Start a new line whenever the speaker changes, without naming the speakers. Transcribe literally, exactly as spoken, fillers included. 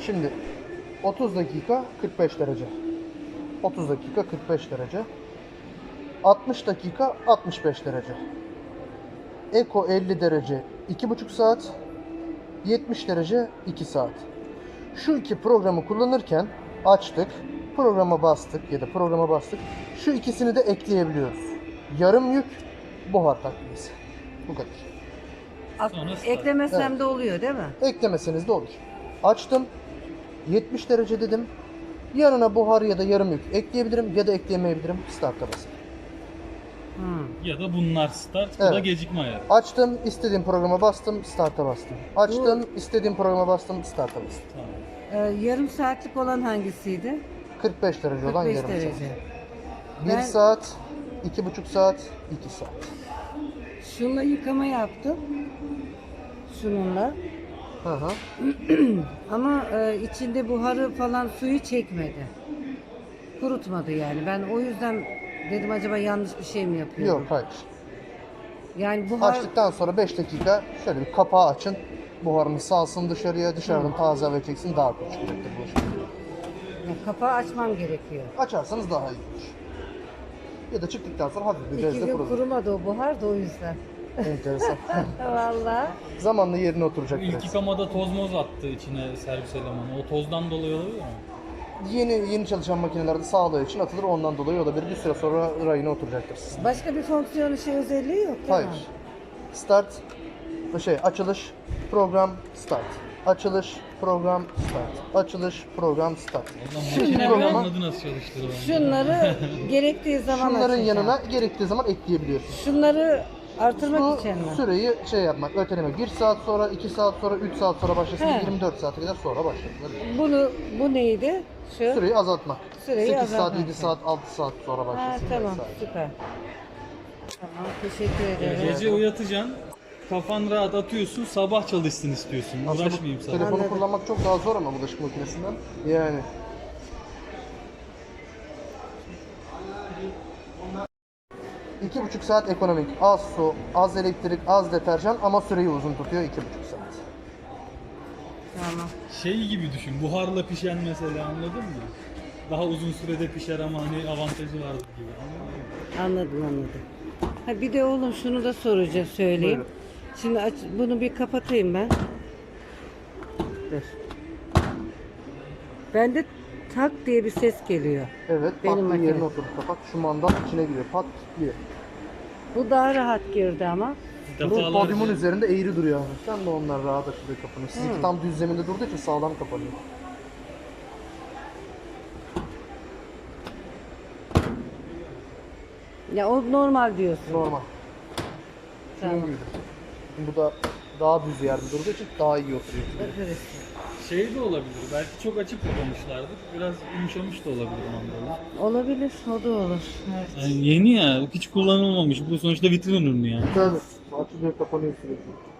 Şimdi otuz dakika kırk beş derece. otuz dakika kırk beş derece. altmış dakika altmış beş derece. Eko elli derece iki buçuk saat. yetmiş derece iki saat. Şu iki programı kullanırken açtık, programa bastık ya da programa bastık. Şu ikisini de ekleyebiliyoruz. Yarım yük, buhar takviyesi. Bu kadar.
Ak-
Sonra start.
eklemesem
Evet.
de oluyor değil mi?
Eklemeseniz de olur. Açtım, yetmiş derece dedim. Yanına buhar ya da yarım yük ekleyebilirim ya da ekleyemeyebilirim. Start'a basarım.
Hmm.
Ya da bunlar start, bu da
Evet.
gecikme ayarı.
Açtım, istediğim programa bastım, start'a bastım. Açtım, istediğim programa bastım, start'a bastım.
Tamam.
Ee, yarım saatlik olan hangisiydi?
kırk beş derece olan
kırk beş
yarım
derece.
saat. bir
Ben-
saat, iki buçuk saat, iki saat.
Şununla yıkama yaptım. Şununla.
Hı hı.
Ama e, içinde buharı falan suyu çekmedi. Kurutmadı yani. Ben o yüzden dedim acaba yanlış bir şey mi yapıyorum?
Yok, hayır.
Yani buhar
Açtıktan sonra beş dakika şöyle bir kapağı açın. Buharını salsın dışarıya. Dışarıdan taze hava çeksin, daha kötü çıkacaktır bulaşık.
yani kapağı açmam gerekiyor.
Açarsanız daha iyi olur. Ya da çıktıktan sonra hafif bir
İki
bezle
gün
kurulur.
kurumadı o buhar da o yüzden.
Enteresan.
Vallahi.
Zamanla yerine
Bu
oturacak
ilk
biraz.
yıkamada toz moz attı içine servis elemanı. O tozdan dolayı olabilir mi?
Yeni yeni çalışan makinelerde sağlığı için atılır, ondan dolayı olabilir. Bir süre sonra rayına oturacaktır sizin.
Başka bir fonksiyonu şey özelliği yok değil
Hayır.
mi?
Start, şey açılış, program, start. Açılış, program, start. Açılış, program, start.
Allah
Şu
makine bile
programa
anladı nasıl çalıştığını.
Şunları gerektiği zaman
şunların
açacağım.
yanına gerektiği zaman ekleyebiliyorsunuz.
Şunları artırmak
Bu
için mi?
süreyi şey yapmak, ötelemek. bir saat sonra, iki saat sonra, üç saat sonra başlasın,
He.
yirmi dört saate kadar sonra başlatılır.
Bunu bu neydi? Şu.
Süreyi azaltmak.
Süreyi
sekiz saat,
azaltmak.
yedi saat, altı saat sonra
Ha,
başlasın.
tamam
vesaire.
süper. Tamam teşekkür ederim.
Gece uyatacaksın, kafan rahat atıyorsun, sabah çalışsın istiyorsun.
Aslında bu
Uğraşmayayım sana.
telefonu
Anladım.
kullanmak çok daha zor ama bulaşık makinesinden. Yani. İki buçuk saat ekonomik. Az su, az elektrik, az deterjan ama süreyi uzun tutuyor iki buçuk saat.
Tamam.
Şey gibi düşün, buharla pişen mesela, anladın mı? Daha uzun sürede pişer ama hani avantajı vardır gibi. Anladın mı?
Anladım anladım. Ha bir de oğlum şunu da soracağım söyleyeyim.
Buyurun.
Şimdi aç, bunu bir kapatayım ben. Dur. Bende tak diye bir ses geliyor.
Evet,
Benim
pat diye
makine.
yerine oturup kapat. Şu mandal içine giriyor. Pat diye.
Bu daha rahat girdi ama.
Bu
Defalarca-
podyumun üzerinde eğri duruyor abi. Sen de onlar rahat açılıyor kapanıyor. Sizinki tam düz zeminde durduğu için sağlam kapanıyor.
Ya o normal diyorsun.
Normal. Şunun
Tamam.
gibi. Bu da daha düz yerde durduğu için daha iyi oturuyor.
Evet.
Şey de olabilir, belki çok açık kapamışlardır. Biraz yumuşamış da olabilir mandalı.
Olabilir, o da olur. Evet.
Yani yeni ya, hiç kullanılmamış. Bu sonuçta vitrin ürünü yani.
Tabii. Açılıyor kapanıyor sürekli.